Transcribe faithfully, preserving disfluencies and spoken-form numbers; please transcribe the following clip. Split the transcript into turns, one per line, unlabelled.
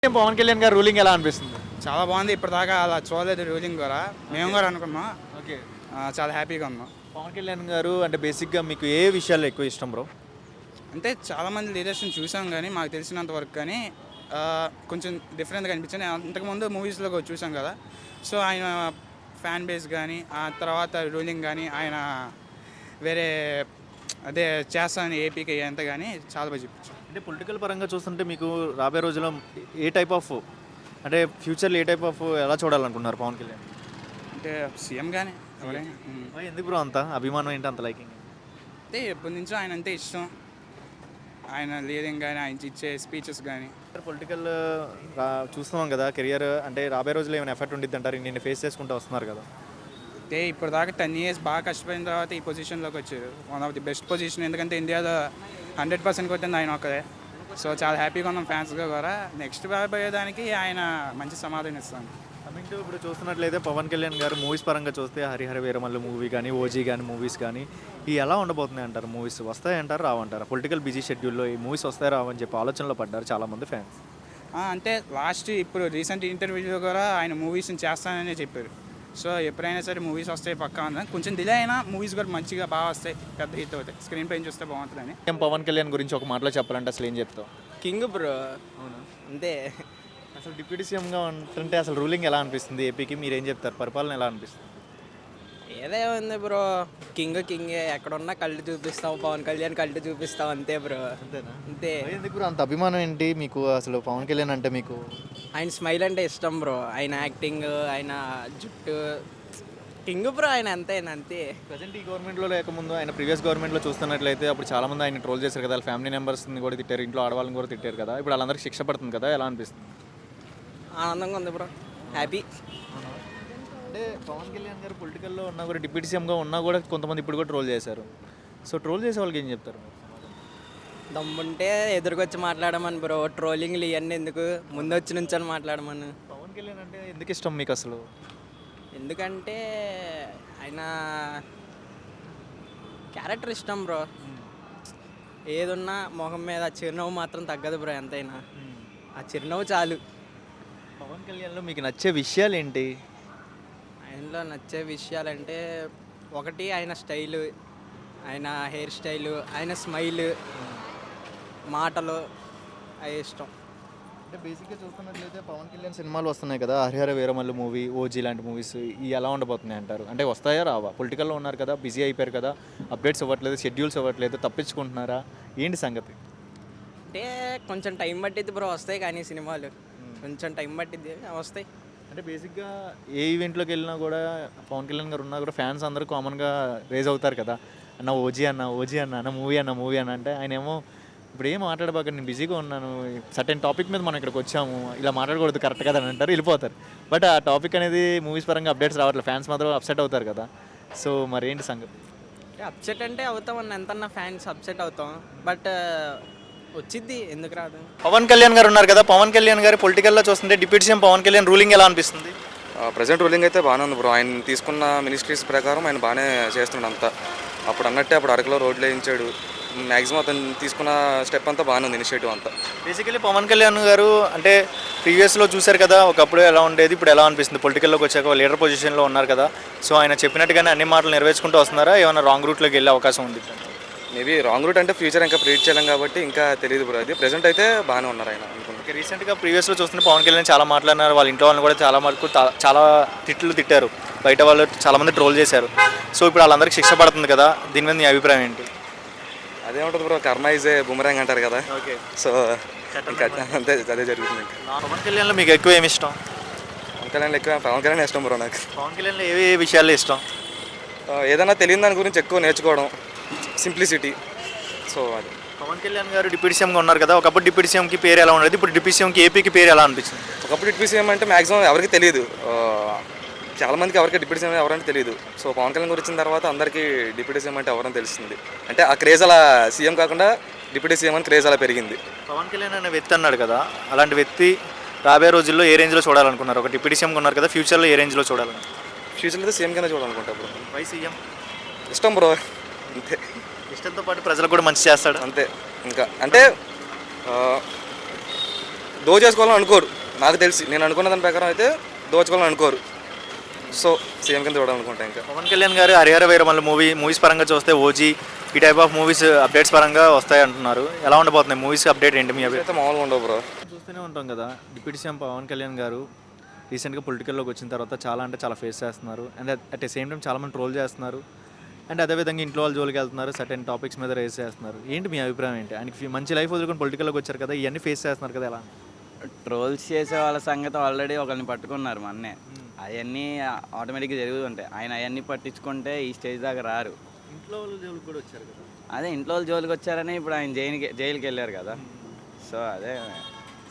పవన్ కళ్యాణ్ గారు రూలింగ్ ఎలా అనిపిస్తుంది?
చాలా బాగుంది. ఇప్పటిదాకా అలా చూడలేదు రూలింగ్ కూడా. మేము కూడా అనుకున్నాం.
ఓకే.
ఆ, చాలా హ్యాపీగా ఉన్నాం.
పవన్ కళ్యాణ్ గారు అంటే బేసిక్గా మీకు ఏ విషయాల్లో ఎక్కువ ఇష్టం బ్రో?
అంటే చాలామంది లీడర్స్ని చూసాం కానీ మాకు తెలిసినంత వరకు కానీ ఆ, కొంచెం డిఫరెంట్గా అనిపించింది. అంతకుముందు మూవీస్లో కూడా చూసాం కదా. సో ఆయన ఫ్యాన్ బేస్ కానీ ఆ తర్వాత రూలింగ్ కానీ ఆయన వేరే అదే చేస్తానని ఏపీకి అంత కానీ చాలా బాగా చూపించాం.
అంటే పొలిటికల్ పరంగా చూస్తుంటే మీకు రాబోయే రోజుల్లో ఏ టైప్ ఆఫ్ అంటే ఫ్యూచర్లో ఏ టైప్ ఆఫ్ ఎలా చూడాలనుకుంటున్నారు పవన్ కళ్యాణ్?
అంటే సీఎం కానీ ఎవరైనా ఉమ్.
మరి ఎందుకు బ్రో అంత అభిమానం ఏంటి అంత లైకింగ్?
అంటే ఎప్పటి నుంచో ఆయన అంటే ఇష్టం. ఆయన లీడింగ్ కానీ ఆయన ఇచ్చే స్పీచెస్ కానీ
పొలిటికల్ చూస్తున్నాం కదా, కెరియర్ అంటే రాబోయే రోజుల్లో ఏమైనా ఎఫెక్ట్ ఉండిద్ది అంటారు? నేను ఫేస్ చేసుకుంటూ వస్తున్నారు కదా.
అంటే ఇప్పుడు దాకా టెన్ ఇయర్స్ బాగా కష్టపడిన తర్వాత ఈ పొజిషన్లోకి వచ్చారు. One of the best position. ఎందుకంటే ఇండియాలో హండ్రెడ్ పర్సెంట్ కొట్టింది ఆయన ఒక్కదే. సో చాలా హ్యాపీగా ఉన్నాం ఫ్యాన్స్గా కూడా. నెక్స్ట్ రాబోయేదానికి ఆయన మంచి సమాధానం ఇస్తాను.
కమింగ్ టు ఇప్పుడు చూస్తున్నట్లయితే పవన్ కళ్యాణ్ గారు మూవీస్ పరంగా చూస్తే హరిహర వీరమల్లు మూవీ కానీ, ఓజీ కానీ మూవీస్ కానీ ఇవి ఎలా ఉండబోతున్నాయి అంటారు? మూవీస్ వస్తాయంటారు రావంటారు? పొలిటికల్ బిజీ షెడ్యూల్లో ఈ మూవీస్ వస్తాయి రావని చెప్పి ఆలోచనలో పడ్డారు చాలామంది ఫ్యాన్స్.
అంటే లాస్ట్ ఇప్పుడు రీసెంట్ ఇంటర్వ్యూలో కూడా ఆయన మూవీస్ని చేస్తాననే చెప్పారు. సో ఎప్పుడైనా సరే మూవీస్ వస్తాయి పక్కా ఉందని. కొంచెం డిలే అయినా మూవీస్ కూడా మంచిగా బాగా వస్తాయి, పెద్ద హిట్ అవుతాయి. స్క్రీన్ పైన చూస్తే బాగుంటుందని.
పవన్ కళ్యాణ్ గురించి ఒక మాటలో చెప్పాలంటే అసలు ఏం చెప్తావు?
King bro. అంతే.
అసలు డిప్యూటీ సీఎంగా ఉంటుంటే అసలు రూలింగ్ ఎలా అనిపిస్తుంది ఏపీకి? మీరు ఏం చెప్తారు? పరిపాలన ఎలా అనిపిస్తుంది?
ఏదే ఉంది బ్రో, కింగ్ కింగే. ఎక్కడున్నా కళ్ళు చూపిస్తాం, పవన్ కళ్యాణ్ కళ్ళు చూపిస్తాం, అంతే బ్రో.
అంతేనా?
అంతే.
ఎందుకు బ్రో అంత అభిమానం ఏంటి మీకు అసలు పవన్ కళ్యాణ్ అంటే? మీకు
ఆయన స్మైల్ అంటే ఇష్టం బ్రో, ఆయన యాక్టింగ్, ఆయన జుట్టు, కింగ్ బ్రో ఆయన. అంతే అంతే.
ప్రజెంట్ ఈ గవర్నమెంట్లో లేకముందు ఆయన ప్రీవియస్ గవర్నమెంట్లో చూస్తున్నట్లయితే అప్పుడు చాలామంది ఆయన ట్రోల్ చేశారు కదా, వాళ్ళ ఫ్యామిలీ మెంబర్స్ని కూడా తిట్టారు, ఇంట్లో ఆడవాళ్ళని కూడా తిట్టారు కదా. ఇప్పుడు వాళ్ళందరికీ శిక్ష పడుతుంది కదా, ఎలా అనిపిస్తుంది?
ఆనందంగా ఉంది బ్రో, హ్యాపీ.
అంటే పవన్ కళ్యాణ్ గారు పొలిటికల్లో ఉన్నా కూడా, డిప్యూటీ సీఎంగా ఉన్నా కూడా కొంతమంది ఇప్పుడు కూడా ట్రోల్ చేశారు. సో ట్రోల్ చేసే వాళ్ళకి ఏం చెప్తారు?
దమ్ముంటే ఎదురుకొచ్చి మాట్లాడమని బ్రో, ట్రోలింగ్లు ఇవన్నీ ఎందుకు, ముందు వచ్చి నుంచొని మాట్లాడమని.
పవన్ కళ్యాణ్ అంటే ఎందుకు ఇష్టం మీకు అసలు?
ఎందుకంటే ఆయన క్యారెక్టర్ ఇష్టం బ్రో. ఏదున్నా మొహం మీద చిరునవ్వు మాత్రం తగ్గదు బ్రో ఎంతైనా. ఆ చిరునవ్వు చాలు.
పవన్ కళ్యాణ్లో మీకు నచ్చే విషయాలు ఏంటి?
ఆయనలో నచ్చే విషయాలంటే ఒకటి ఆయన స్టైలు, ఆయన హెయిర్ స్టైలు, ఆయన స్మైల్, మాటలు అవి ఇష్టం.
అంటే బేసిక్గా చూస్తున్నట్లయితే పవన్ కళ్యాణ్ సినిమాలు వస్తున్నాయి కదా, హరిహర వీరమల్లు మూవీ, ఓజీ లాంటి మూవీస్ ఇవి ఎలా ఉండబోతున్నాయి అంటారు? అంటే వస్తాయా రావా? పొలిటికల్లో ఉన్నారు కదా, బిజీ అయిపోయారు కదా, అప్డేట్స్ ఇవ్వట్లేదు, షెడ్యూల్స్ ఇవ్వట్లేదు, తప్పించుకుంటున్నారా ఏంటి సంగతి?
అంటే కొంచెం టైం పట్టిద్ది బ్రో వస్తాయి, కానీ సినిమాలు కొంచెం టైం పట్టిద్ది, వస్తాయి.
అంటే బేసిక్గా ఏ ఈవెంట్లోకి వెళ్ళినా కూడా పవన్ కళ్యాణ్ గారు ఉన్నా కూడా ఫ్యాన్స్ అందరూ కామన్గా రేజ్ అవుతారు కదా, అన్న ఓజీ అన్న ఓజీ అన్న అన్న మూవీ అన్న మూవీ అన్న అంటే ఆయన ఏమో ఇప్పుడు ఏం మాట్లాడబాక, నేను బిజీగా ఉన్నాను, సర్టెన్ టాపిక్ మీద మనం ఇక్కడికి వచ్చాము, ఇలా మాట్లాడకూడదు కరెక్ట్ కదా అని అంటారు, వెళ్ళిపోతారు. బట్ ఆ టాపిక్ అనేది మూవీస్ పరంగా అప్డేట్స్ రావట్లేదు, ఫ్యాన్స్ మాత్రం అప్సెట్ అవుతారు కదా. సో మరి ఏంటి సంగతి?
అప్సెట్ అంటే అవుతాం అన్న, ఎంతన్నా ఫ్యాన్స్ అప్సెట్ అవుతాం, బట్ వచ్చిద్ది, ఎందుకు రాదు.
పవన్ కళ్యాణ్ గారు ఉన్నారు కదా, పవన్ కళ్యాణ్ గారు పొలిటికల్లో చూస్తుంటే deputy CM Pawan Kalyan ruling ఎలా అనిపిస్తుంది?
ప్రజెంట్ రూలింగ్ అయితే బాగానే ఉంది బ్రో. ఆయన తీసుకున్న మినిస్ట్రీస్ ప్రకారం ఆయన బాగానే చేస్తున్నాడు అంతా. అప్పుడు అన్నట్టే అప్పుడు అరకులో రోడ్లు వేయించాడు. మ్యాక్సిమం అతను తీసుకున్న స్టెప్ అంతా బాగానే ఉంది, ఇనిషియేటివ్ అంతా.
బేసికలీ పవన్ కళ్యాణ్ గారు అంటే ప్రీవియస్లో చూశారు కదా, ఒకప్పుడు ఎలా ఉండేది, ఇప్పుడు ఎలా అనిపిస్తుంది? పొలిటికల్లోకి వచ్చాక లీడర్ పొజిషన్లో ఉన్నారు కదా, సో ఆయన చెప్పినట్టుగానే అన్ని మాటలు నెరవేర్చుకుంటూ వస్తున్నారా, ఏమైనా రాంగ్ రూట్లోకి వెళ్ళే అవకాశం ఉంది?
మేబీ రాంగ్ రూట్ అంటే ఫ్యూచర్ ఇంకా ప్రీడ్ చేయలేం కాబట్టి ఇంకా తెలియదు బ్రో. అది ప్రెజెంట్ అయితే బాగానే ఉన్నారు ఆయన అనుకుంటున్నాను.
రీసెంట్గా ప్రీవియస్లో చూస్తుంటే పవన్ కళ్యాణ్ చాలా మాట్లాడినారు, వాళ్ళ ఇంట్లో వాళ్ళని కూడా చాలా మటుకు చాలా తిట్లు తిట్టారు, బయట వాళ్ళు చాలామంది ట్రోల్ చేశారు. సో ఇప్పుడు వాళ్ళందరికీ శిక్ష పడుతుంది కదా, దీని మీద మీ అభిప్రాయం ఏంటి?
అదేముంటుంది bro, karma is a boomerang అంటారు కదా.
ఓకే.
సో ఇంకా అంతే, అదే జరుగుతుంది.
పవన్ కళ్యాణ్లో మీకు ఎక్కువ ఏమి ఇష్టం?
పవన్ కళ్యాణ్ ఎక్కువ పవన్ కళ్యాణ్ ఇష్టం బ్రో నాకు.
పవన్ కళ్యాణ్లో ఏ ఏ విషయాల్లో ఇష్టం?
ఏదైనా తెలియని దాని గురించి ఎక్కువ నేర్చుకోవడం, సింప్లిసిటీ. సో అది.
పవన్ కళ్యాణ్ గారు డిప్యూటీ సీఎంగా ఉన్నారు కదా, ఒకప్పుడు డిప్యూటీ సీఎంకి పేరు ఎలా ఉండేది, ఇప్పుడు డిప్యూటీ సీఎంకి ఏపీకి పేరు ఎలా అనిపించింది?
ఒకప్పుడు డిప్యూటీ సీఎం అంటే మ్యాక్సిమం ఎవరికి తెలియదు, చాలామందికి ఎవరికి డిప్యూటీ సీఎం ఎవరంటే తెలియదు. సో పవన్ కళ్యాణ్ గురించి వచ్చిన తర్వాత అందరికీ డిప్యూటీ సీఎం అంటే ఎవరని తెలుస్తుంది. అంటే ఆ క్రేజ్ అలా సీఎం కాకుండా డిప్యూటీ సీఎం అని క్రేజ్ అలా పెరిగింది.
పవన్ కళ్యాణ్ అనే వ్యక్తి అన్నాడు కదా, అలాంటి వ్యక్తి రాబోయే రోజుల్లో ఏ రేంజ్లో చూడాలనుకున్నారు? ఒక డిప్యూటీ సీఎంగా ఉన్నారు కదా, ఫ్యూచర్లో ఏ రేంజ్లో చూడాలని?
ఫ్యూచర్లో అయితే సీఎం కింద చూడాలనుకుంటా బ్రో.
Why CM?
ఇష్టం బ్రో, అంతే.
ఇష్టంతో పాటు ప్రజలకు కూడా మంచి చేస్తాడు,
అంతే. ఇంకా అంటే దోచేసుకోవాలని అనుకోరు. నాకు తెలిసి నేను అనుకున్న దాని ప్రకారం అయితే దోచుకోవాలని అనుకోరు. సో సీఎం కింద చూడాలనుకుంటా. ఇంకా
పవన్ కళ్యాణ్ గారు హరిహర వీరమల్లు మూవీ మూవీస్ పరంగా చూస్తే ఓజీ ఈ టైప్ ఆఫ్ మూవీస్ అప్డేట్స్ పరంగా వస్తాయి అంటున్నారు. ఎలా ఉండబోతున్నాయి మూవీస్ అప్డేట్ ఏంటి మీ అభిప్రాయం?
అయితే మామూలుగా ఉండవు బ్రో.
చూస్తూనే ఉంటాం కదా, డిప్యూటీ సీఎం పవన్ కళ్యాణ్ గారు రీసెంట్గా పొలిటికల్లోకి వచ్చిన తర్వాత చాలా అంటే చాలా ఫేస్ చేస్తున్నారు. And at the same time చాలామంది ట్రోల్ చేస్తున్నారు. అండ్ అదేవిధంగా ఇంట్లో వాళ్ళ జోలికి వెళ్తున్నారు, సర్టెన్ టాపిక్స్ మీద రేస్ చేస్తున్నారు. ఏంటి మీ అభిప్రాయం ఏంటి? ఆయనకి మంచి లైఫ్ వదులుకొని పొలిటికల్లోకి వచ్చారు కదా, ఇవన్నీ ఫేస్ చేస్తున్నారు కదా, ఎలా?
ట్రోల్స్ చేసే వాళ్ళ సంగతి ఆల్రెడీ ఒకరిని పట్టుకున్నారు మొన్నే. అవన్నీ ఆటోమేటిక్గా జరుగుతుంటాయి. ఆయన అవన్నీ పట్టించుకుంటే ఈ స్టేజ్ దాకా రారు.
ఇంట్లో వాళ్ళ జోలికి కూడా వచ్చారు కదా.
అదే ఇంట్లో వాళ్ళు జోలికి వచ్చారని ఇప్పుడు ఆయన జైలుకి జైలుకి వెళ్ళారు కదా. సో అదే